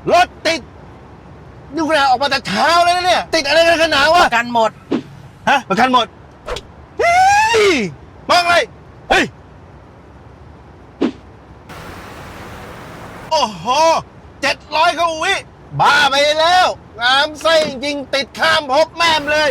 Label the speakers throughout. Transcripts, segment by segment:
Speaker 1: รถติดนี่ขนาดออกมาแต่เช้าแล้วนะเนี่ยติดอะไรกันขนาดวะ
Speaker 2: ประกันหมด
Speaker 1: ฮะประกันหมดเฮ้ยมองอะไรเฮ้ยโอ้โห700กว่าวิบ้าไปแล้วงามไส้จริงๆติดข้ามภพแม่มเลย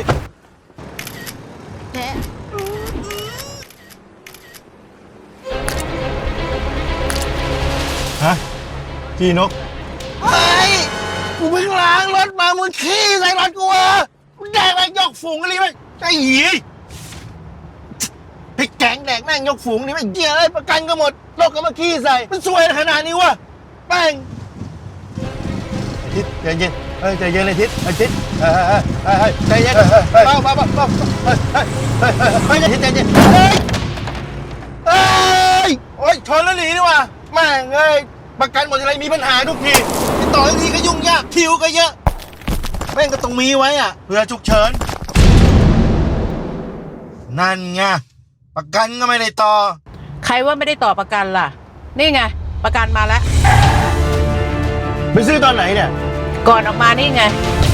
Speaker 1: ฮะพี่นกเฮ้ยกูเพิ่งล้างรถมามึงขี้ใส่รถกูเหรอมึงแดกแม่งยกฝูงอะไรไหมไอ้หยีพริกแกงแดกแม่งยกฝูงนี่ไม่เกี่ยวเลยประกันก็หมดรถก็มาขี้ใส่มันซวยขนาดนี้วะแม่งทิศใจเย็นใจเย็นเลยทิศทิศใจเย็นเบาทิศใจเย็นเฮ้ยโอ้ยชนแล้วหนีนี่วะแม่งเอ้ยประกันหมดอะไรมีปัญหาทุกทีติดต่อทุกทีก็ยุ่งยากคิวก็เยอะแม่งก็ต้องมีไว้อะเผื่อฉุกเฉินนั่นไงประกันก็ไม่ได้ต่อ
Speaker 2: ใครว่าไม่ได้ต่อประกันล่ะ นี่ไง ประกันมาแล้ว
Speaker 1: ไปซื้อตอนไหนเนี่ย
Speaker 2: ก่อนออกมานี่ไง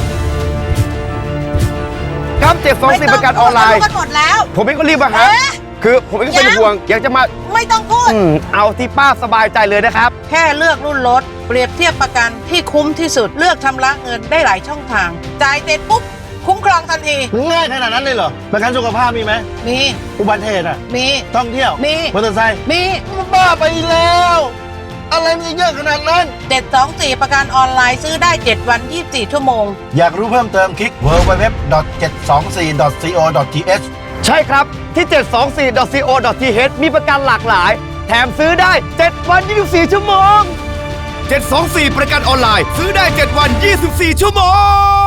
Speaker 3: ครับ724ประกันออนไลน์
Speaker 2: กันหมดแล้ว
Speaker 3: ผมเองก็รีบมาหาคือผมเองก็เป็นห่วงอยากจะมา
Speaker 2: ไม่ต้องพูด
Speaker 3: เอาที่ป้าสบายใจเลยนะครับ
Speaker 2: แค่เลือกรุ่นรถ เปรียบเทียบประกันที่คุ้มที่สุด เลือกชำระเงินได้หลายช่องทาง จ่ายเสร็จปุ๊บ คุ้มครองทันที
Speaker 1: ง่ายขนาดนั้นเลยเหรอประกันสุขภาพมีไหม
Speaker 2: มี
Speaker 1: อุบัติเหตุอ่ะ
Speaker 2: มี
Speaker 1: ท่องเที่ยว
Speaker 2: มี
Speaker 1: มอเตอร์ไซค์
Speaker 2: มี
Speaker 1: มันบ้าไปแล้ว อะไรมันจะเยอะขนาดนั้น
Speaker 2: 724ประกันออนไลน์ซื้อได้ 7 วัน 24 ชั่วโมง
Speaker 1: อยากรู้เพิ่มเติมคลิก www.724.co.th
Speaker 3: ใช่ครับที่ 724.co.th มีประกันหลากหลาย แถมซื้อได้ 7 วัน 24 ชั่วโมง 724 ประกันออนไลน์ ซื้อได้ 7 วัน 24 ชั่วโมง